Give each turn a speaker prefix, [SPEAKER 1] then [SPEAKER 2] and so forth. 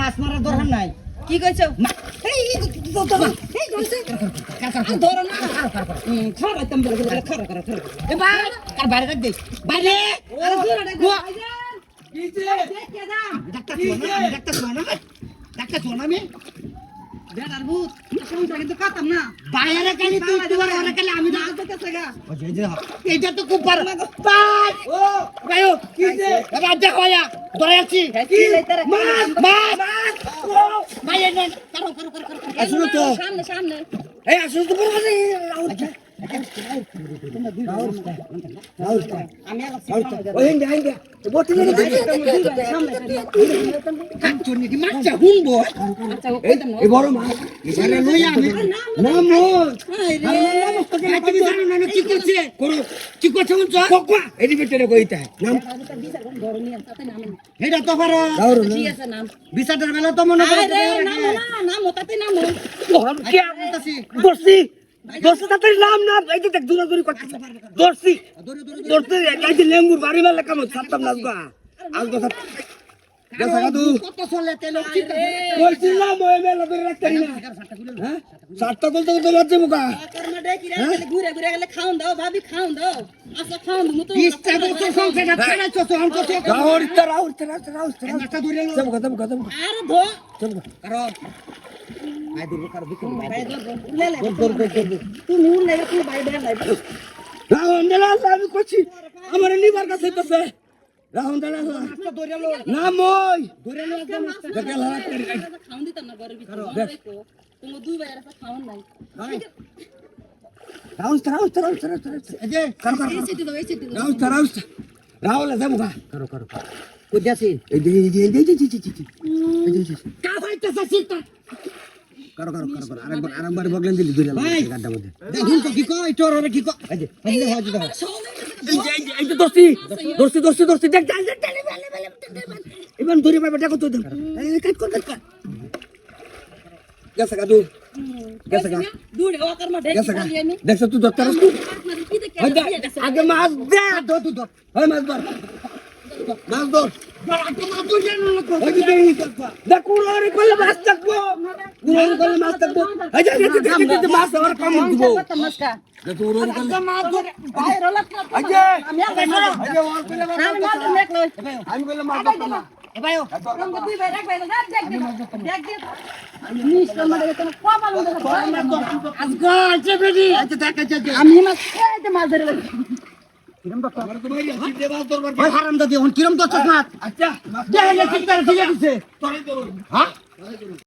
[SPEAKER 1] মাছ মারার দরকার নাই।
[SPEAKER 2] কি কইছো
[SPEAKER 1] এই ধরছে ধরো না খারাপ তুমি খারাপ এবার কার বাইরে রাখ দে বাইরে
[SPEAKER 2] আরে দূরে ডাক ভাইজান
[SPEAKER 1] ডাক্তার শোনা আমি
[SPEAKER 2] বেটার ভূত সমস্যা কিন্তু কাটাম না
[SPEAKER 1] বাইরে কালি তুই তোমার ওরে কালি আমি না
[SPEAKER 2] দেখতেছে গা
[SPEAKER 1] এইটা তো খুব ভালো বাই ও গায়ো কি যে এবার দেখো ইয়া ধরে আছি
[SPEAKER 2] কি লইতারে
[SPEAKER 1] মাছ বাইরে না করো আসলে তো
[SPEAKER 2] সামনে সামনে
[SPEAKER 1] এই আসলে তো বড় আছে
[SPEAKER 2] আমি
[SPEAKER 1] ওই হেঙ্গা বটি নিয়ে
[SPEAKER 2] সামনে
[SPEAKER 1] কাঞ্চনি কি মাছটা হুনবো
[SPEAKER 2] আচ্ছা ও কইতাম না
[SPEAKER 1] এই বড় মাছ এবারে লই আমি নাম তুমি জানো না কি করছে করো কি করছে বলছো কোকবা এডি বেটে কইতা নাম এটা তো পারো
[SPEAKER 2] ঠিক আছে নাম
[SPEAKER 1] বিচারের বেলা তো মনে করে
[SPEAKER 2] আরে নাম ওটাতে নাম
[SPEAKER 1] কি বলতাছি দোস্ত তাড়াতাড়ি নাম না এই যে দেখ দূরে দূরে করতে দোস্তি দোস্তি এই যে লেম্বুর বাড়ি মেলা কাম ছাড়তাম না আজ তো দেখা গাদু কত চলে তেল কইছিলাম ওই মেলা ধরে রাখতে না হ্যাঁ সাতটা বলতে তো বাজে মুকা
[SPEAKER 2] কর্মা দেখি রে ঘুরে ঘুরে গেলে খাওন দাও ভাবি খাওন দাও আচ্ছা খাওন মু তো
[SPEAKER 1] 20 টাকা তো সংখ্যা ছাড়া চছো আন কত গাওর রাউর নাটা ধরে লো যাব
[SPEAKER 2] আরে ধো
[SPEAKER 1] চল করো আই দূর কর বিক্রি
[SPEAKER 2] ভাই লে তুমি উড়লে তুমি ভাই দেন নাই
[SPEAKER 1] রাহুল দেলা আমি কইছি আমার লিভার কাছে তো রাহুল দেলা না মই ধরে লো একদম দেখে লাগা করে
[SPEAKER 2] খাওন দিতাম না ঘরের ভিতরে দেখো তুমি দুই ভাই আর খাওন নাই
[SPEAKER 1] রাহুল এই যে কর
[SPEAKER 2] এই সিটি দাও
[SPEAKER 1] রাহুল যাবো করো কইতাছি এই যে কা ফাইতাছ সিটা করো আরেকবার বগলেন দিলি দুইলা গাড্ডা মধ্যে দেখুন তো কি কই তোর কি কই এই যে হাজি দাও এই যে দোস্তি দেখ ইমান দূরে পাবে দেখো তো এই কাট কর গেছে গাদু
[SPEAKER 2] দূরে ও কর্মা দেখি আমি
[SPEAKER 1] দেখছ তুই দত্তর আগে মাছ দে দো হয় মাছ ধর কুড়ারি করলে মাছ থাকবো মাছ আমার কম দিব আমি বললাম মাছ ধরতাম না
[SPEAKER 2] আমি মাছ ধরে
[SPEAKER 1] হারাম দাদি কিরম তো আচ্ছা